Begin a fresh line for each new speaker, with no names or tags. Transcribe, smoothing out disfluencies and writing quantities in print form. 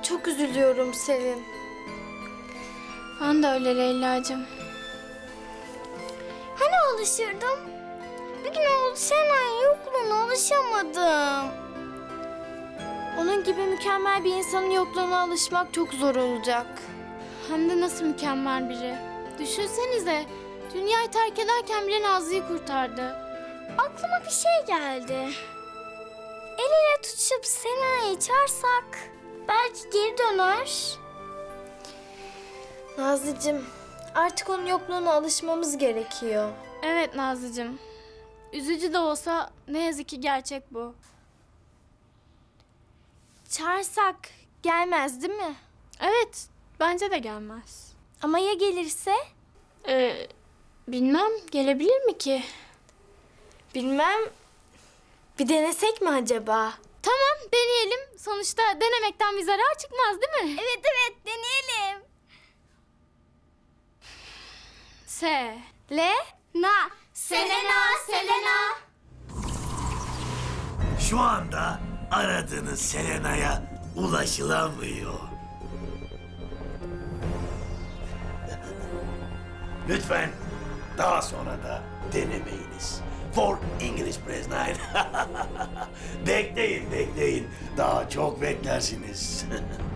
Çok üzülüyorum Selin.
Ben de öyle Leyla'cığım.
Hani alışırdım? Bir gün oldu Sena'nın yokluğuna alışamadım.
Onun gibi mükemmel bir insanın yokluğuna alışmak çok zor olacak.
Hem de nasıl mükemmel biri. Düşünsenize, dünyayı terk ederken bile Nazlı'yı kurtardı.
Aklıma bir şey geldi. El ele tutuşup Sena'yı çağırsak belki geri döner.
Nazlıcığım, artık onun yokluğuna alışmamız gerekiyor.
Evet Nazlı'cığım. Üzücü de olsa ne yazık ki gerçek bu.
Çağırsak gelmez değil mi?
Evet, bence de gelmez.
Ama ya gelirse?
Bilmem, gelebilir mi ki?
Bilmem. Bir denesek mi acaba?
Tamam, deneyelim. Sonuçta denemekten bir zarar çıkmaz değil mi?
Evet evet deneyelim.
Na.
Selena.
Şu anda aradığınız Selena'ya ulaşılamıyor. Lütfen daha sonra da denemeyiniz. For English Press 9. Bekleyin. Daha çok beklersiniz.